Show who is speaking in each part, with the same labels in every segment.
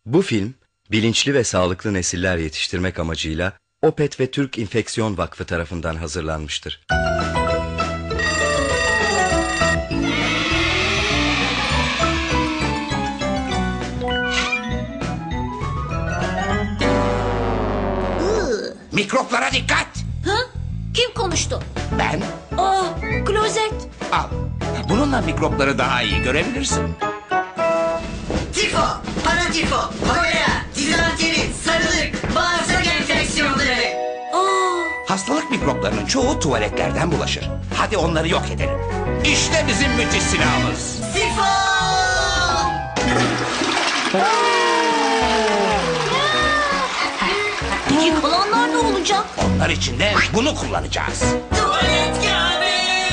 Speaker 1: Bu film, bilinçli ve sağlıklı nesiller yetiştirmek amacıyla Opet ve Türk İnfeksiyon Vakfı tarafından hazırlanmıştır.
Speaker 2: Mikroplara dikkat!
Speaker 3: Ha? Kim konuştu?
Speaker 2: Ben
Speaker 3: Aa, klozet.
Speaker 2: al. Bununla mikropları daha iyi görebilirsin.
Speaker 4: Tifo, paratifo, kolera, dizanteri, sarılık, bağırsak enfeksiyonları.
Speaker 3: Aa,
Speaker 2: Hastalık mikroplarının çoğu tuvaletlerden bulaşır. Hadi onları yok edelim. İşte bizim müthiş silahımız.
Speaker 4: Sifo!
Speaker 3: peki kalanlar ne olacak?
Speaker 2: Onlar için de bunu kullanacağız.
Speaker 4: Tuvalet kağıdı!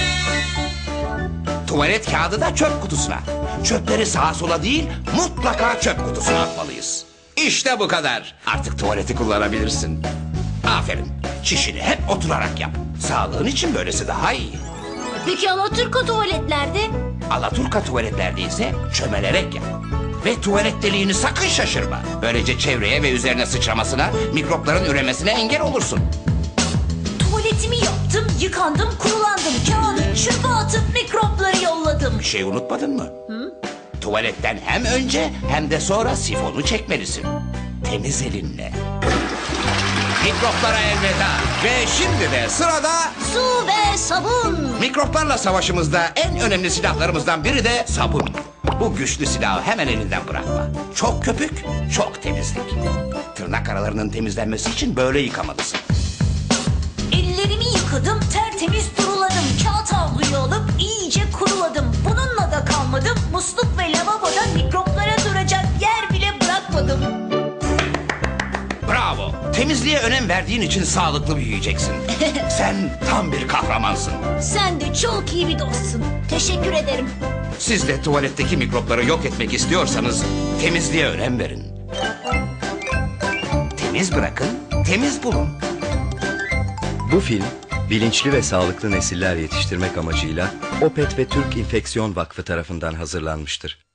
Speaker 2: Tuvalet kağıdı da çöp kutusuna. Çöpleri sağa sola değil, mutlaka çöp kutusuna atmalıyız. İşte bu kadar. Artık tuvaleti kullanabilirsin. Aferin. Çişini hep oturarak yap. Sağlığın için böylesi daha iyi.
Speaker 3: Peki Alaturka tuvaletlerde?
Speaker 2: Alaturka tuvaletlerde ise çömelerek yap. Ve tuvalet deliğini sakın şaşırma. Böylece çevreye ve üzerine sıçramasına, mikropların üremesine engel olursun.
Speaker 3: Tuvaletimi yaptım, yıkandım, kurulandım. Kağıdı çöpe atıp mikropları yolladım.
Speaker 2: Bir şey unutmadın mı? Tuvaletten hem önce hem de sonra sifonu çekmelisin. Temiz elinle. Mikroplara elveda. Ve şimdi de sırada
Speaker 3: Su ve sabun.
Speaker 2: mikroplarla savaşımızda en önemli silahlarımızdan biri de sabun. Bu güçlü silahı hemen elinden bırakma. Çok köpük, çok temizlik. Tırnak aralarının temizlenmesi için böyle yıkamalısın.
Speaker 3: Ellerimi yıkadım, tertemiz duruladım. Kağıt havluyu alıp iyice kuruladım. Bununla da kalmadım. Musluk ve lavaboda mikroplara duracak yer bile bırakmadım.
Speaker 2: Bravo. Temizliğe önem verdiğin için sağlıklı büyüyeceksin. Sen tam bir kahramansın.
Speaker 3: Sen de çok iyi bir dostsun. Teşekkür ederim.
Speaker 2: Siz de tuvaletteki mikropları yok etmek istiyorsanız temizliğe önem verin. Temiz bırakın, temiz bulun.
Speaker 1: Bu film, bilinçli ve sağlıklı nesiller yetiştirmek amacıyla Opet ve Türk İnfeksiyon Vakfı tarafından hazırlanmıştır.